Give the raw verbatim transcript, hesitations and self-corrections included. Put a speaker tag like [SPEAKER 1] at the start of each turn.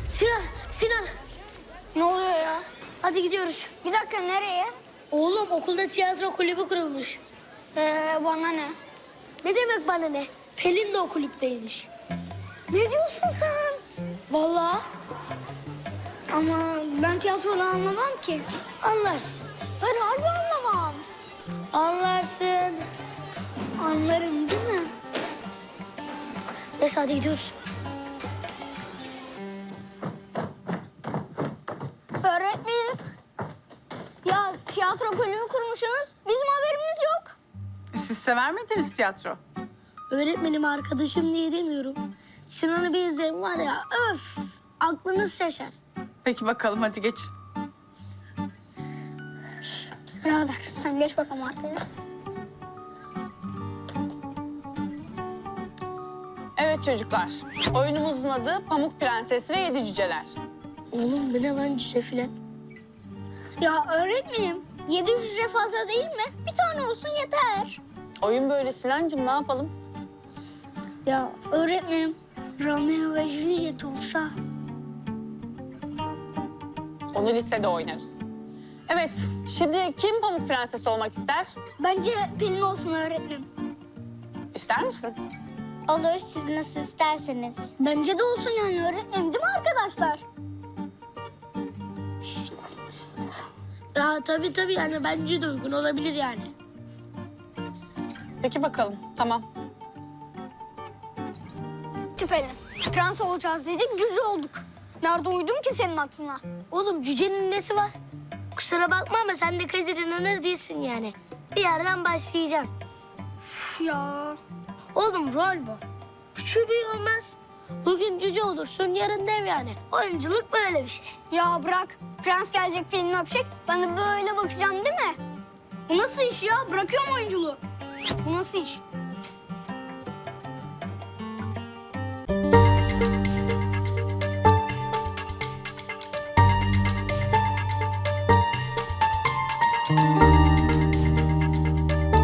[SPEAKER 1] Sinan, Sinan.
[SPEAKER 2] Ne oluyor ya?
[SPEAKER 1] Hadi gidiyoruz.
[SPEAKER 2] Bir dakika, nereye?
[SPEAKER 1] Oğlum okulda tiyatro kulübü kurulmuş.
[SPEAKER 2] Ee, bana ne?
[SPEAKER 1] Ne demek bana ne? Pelin de o kulüpteymiş.
[SPEAKER 2] Ne diyorsun sen?
[SPEAKER 1] Vallahi
[SPEAKER 2] Ama ben tiyatrodan anlamam ki.
[SPEAKER 1] anlarsın.
[SPEAKER 2] Ben harbi anlamam.
[SPEAKER 1] Anlarsın.
[SPEAKER 2] Anlarım değil mi?
[SPEAKER 1] Neyse hadi gidiyoruz.
[SPEAKER 2] Öğretmenim. Ya tiyatro kulübü kurmuşsunuz. Bizim haberimiz yok.
[SPEAKER 3] E, Siz sever miydiniz tiyatro?
[SPEAKER 1] Öğretmenim arkadaşım diye demiyorum. Sinan'ı bir izleyin var ya öf. Aklınız şaşar.
[SPEAKER 3] Peki bakalım, hadi geçin.
[SPEAKER 2] Birader sen geç bakalım arkaya.
[SPEAKER 4] Evet çocuklar, oyunumuzun adı Pamuk Prenses ve Yedi Cüceler.
[SPEAKER 1] Oğlum bu ne lan cüce filan?
[SPEAKER 2] Ya öğretmenim, yedi hücre fazla değil mi? Bir tane olsun yeter.
[SPEAKER 4] Oyun böyle Sinancığım, ne yapalım?
[SPEAKER 2] Ya öğretmenim, Romeo ve Juliet olsa.
[SPEAKER 4] Onu lisede oynarız. Evet, şimdi kim Pamuk Prenses olmak ister?
[SPEAKER 2] Bence Pelin olsun öğretmenim.
[SPEAKER 4] İster misin?
[SPEAKER 2] Olur, siz nasıl isterseniz. Bence de olsun yani öğretmenim, değil mi arkadaşlar?
[SPEAKER 1] Ya tabii tabii yani bence de uygun olabilir yani.
[SPEAKER 4] Peki bakalım, tamam.
[SPEAKER 2] Pelin, prens olacağız dedik, cüce olduk. Nerede uydum ki senin aklına?
[SPEAKER 1] Oğlum cücenin nesi var? Kusura bakma ama sen de Kadir inanır değilsin yani. Bir yerden başlayacaksın.
[SPEAKER 2] Üf ya.
[SPEAKER 1] Oğlum rol bu. Küçüğü büyüğü olmaz. Bugün cüce olursun, yarın dev yani. Oyunculuk böyle bir şey.
[SPEAKER 2] Ya bırak, prens gelecek Pelin'i öpecek, ben de böyle bakacağım değil mi? Bu nasıl iş ya? Bırakıyorum oyunculuğu. Bu nasıl iş?